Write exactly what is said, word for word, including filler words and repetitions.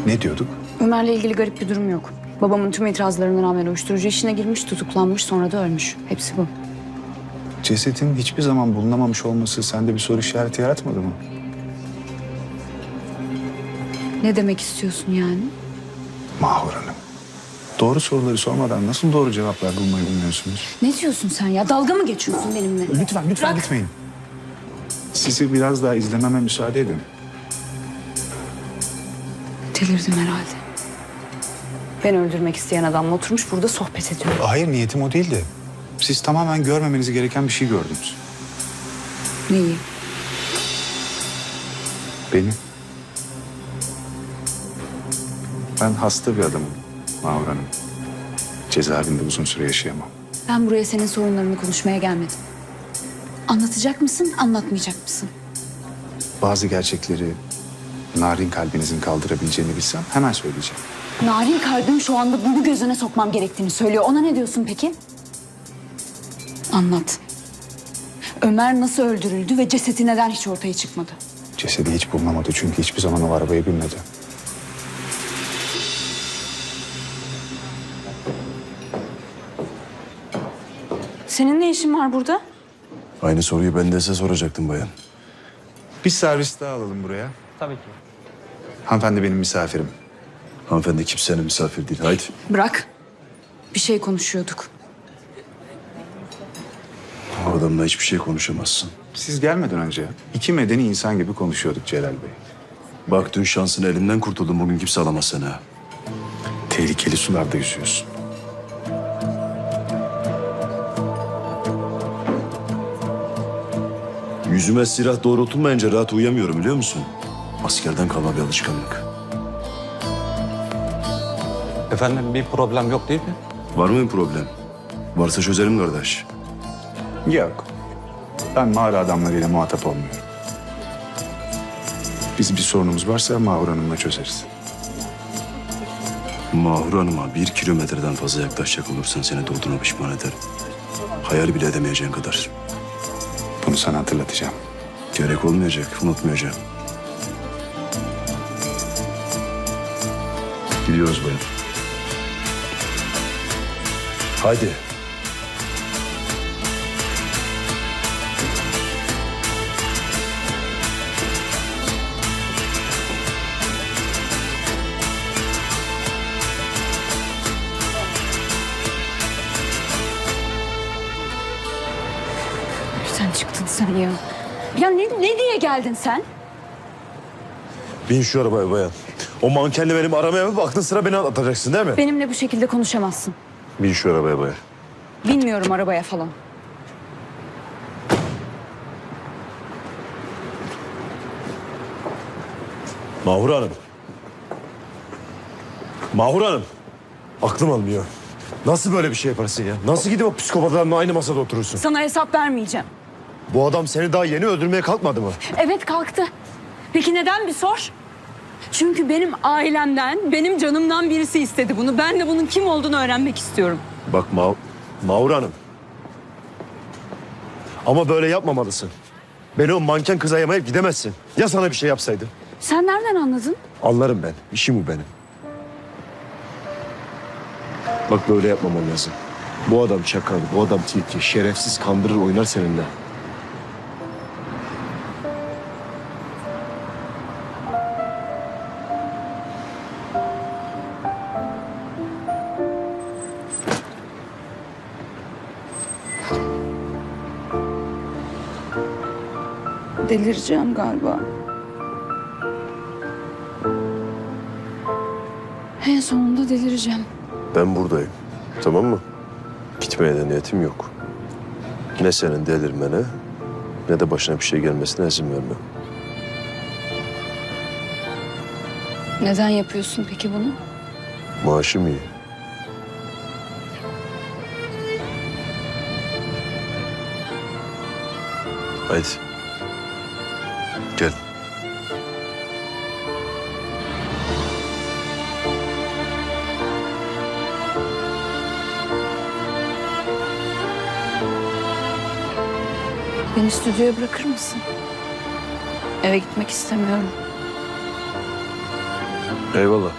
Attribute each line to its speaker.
Speaker 1: Ne diyorduk?
Speaker 2: Ömer'le ilgili garip bir durum yok. Babamın tüm itirazlarına rağmen uyuşturucu işine girmiş, tutuklanmış, sonra da ölmüş. Hepsi bu.
Speaker 1: Cesetin hiçbir zaman bulunamamış olması sende bir soru işareti yaratmadı mı?
Speaker 2: Ne demek istiyorsun yani?
Speaker 1: Mahur Hanım. Doğru soruları sormadan nasıl doğru cevaplar bulmayı bilmiyorsunuz?
Speaker 2: Ne diyorsun sen ya? Dalga mı geçiyorsun benimle?
Speaker 1: Lütfen, lütfen
Speaker 2: Bırak.
Speaker 1: gitmeyin. Sizi biraz daha izlememe müsaade edin.
Speaker 2: Delirdim herhalde. Ben öldürmek isteyen adamla oturmuş burada sohbet ediyor.
Speaker 1: Hayır, niyetim o değildi. Siz tamamen görmemeniz gereken bir şey gördünüz.
Speaker 2: Neyi?
Speaker 1: Beni. Ben hasta bir adamım Mahur Hanım. Cezaevinde uzun süre yaşayamam.
Speaker 2: Ben buraya senin sorunlarını konuşmaya gelmedim. Anlatacak mısın, anlatmayacak mısın?
Speaker 1: Bazı gerçekleri narin kalbinizin kaldırabileceğini bilsem hemen söyleyeceğim.
Speaker 2: Narin kalbim şu anda bunu gözüne sokmam gerektiğini söylüyor. Ona ne diyorsun peki? Anlat. Ömer nasıl öldürüldü ve cesedi neden hiç ortaya çıkmadı?
Speaker 1: Cesedi hiç bulunamadı çünkü hiçbir zaman o arabaya binmedi.
Speaker 2: Senin ne işin var burada?
Speaker 3: Aynı soruyu ben de size soracaktım bayan.
Speaker 1: Bir servis daha alalım buraya.
Speaker 4: Tabii ki.
Speaker 1: Hanımefendi benim misafirim.
Speaker 3: Hanımefendi kimsenin misafir değil. Haydi.
Speaker 2: Bırak. Bir şey konuşuyorduk.
Speaker 3: O adamla hiçbir şey konuşamazsın.
Speaker 1: Siz gelmeden önce iki medeni insan gibi konuşuyorduk Celal Bey.
Speaker 3: Bak dün şansın elinden kurtuldun. Bugün kimse alamaz seni ha.
Speaker 1: Tehlikeli sularda yüzüyorsun.
Speaker 3: Yüzüme silah doğrultulmayınca rahat uyuyamıyorum biliyor musun? Askerden kalma bir alışkanlık.
Speaker 4: Efendim bir problem yok değil mi?
Speaker 3: Var mı bir problem? Varsa çözelim kardeş.
Speaker 1: Yok. Ben mağara adamlarıyla muhatap olmuyorum. Biz bir sorunumuz varsa Mahur Hanım'la çözeriz.
Speaker 3: Mahur Hanım'a bir kilometreden fazla yaklaşacak olursan seni doğduğuna pişman ederim. Hayal bile edemeyeceğin kadar.
Speaker 1: Bunu sana hatırlatacağım.
Speaker 3: Gerek olmayacak, unutmayacağım. Gidiyoruz bayan. Haydi.
Speaker 2: Sen çıktın sen ya. Ya ne, ne diye geldin sen?
Speaker 3: Bin şu arabaya bayan. O mankenle benim aramaya mı baktın, sıra beni atacaksın değil mi?
Speaker 2: Benimle bu şekilde konuşamazsın.
Speaker 3: Bin şu arabaya bayan.
Speaker 2: Bilmiyorum arabaya falan.
Speaker 3: Mahur Hanım. Mahur Hanım. Aklım almıyor. Nasıl böyle bir şey yaparsın ya? Nasıl gidip o psikopatlarla aynı masada oturursun?
Speaker 2: Sana hesap vermeyeceğim.
Speaker 3: Bu adam seni daha yeni öldürmeye kalkmadı mı?
Speaker 2: Evet kalktı. Peki neden bir sor? Çünkü benim ailemden, benim canımdan birisi istedi bunu. Ben de bunun kim olduğunu öğrenmek istiyorum.
Speaker 3: Bak Ma Mahur Hanım. Ama böyle yapmamalısın. Beni o manken kıza yamayıp gidemezsin. Ya sana bir şey yapsaydı?
Speaker 2: Sen nereden anladın?
Speaker 3: Anlarım ben. İşim bu benim. Bak böyle yapmaman lazım. Bu adam çakal, bu adam tilki, şerefsiz, kandırır, oynar seninle.
Speaker 2: Delireceğim galiba. En sonunda delireceğim.
Speaker 3: Ben buradayım. Tamam mı? Gitmeye de niyetim yok. Ne senin delirmene ne de başına bir şey gelmesine izin vermem.
Speaker 2: Neden yapıyorsun peki bunu?
Speaker 3: Maaşım iyi. Haydi. Gel.
Speaker 2: Beni stüdyoya bırakır mısın? Eve gitmek istemiyorum.
Speaker 3: Eyvallah.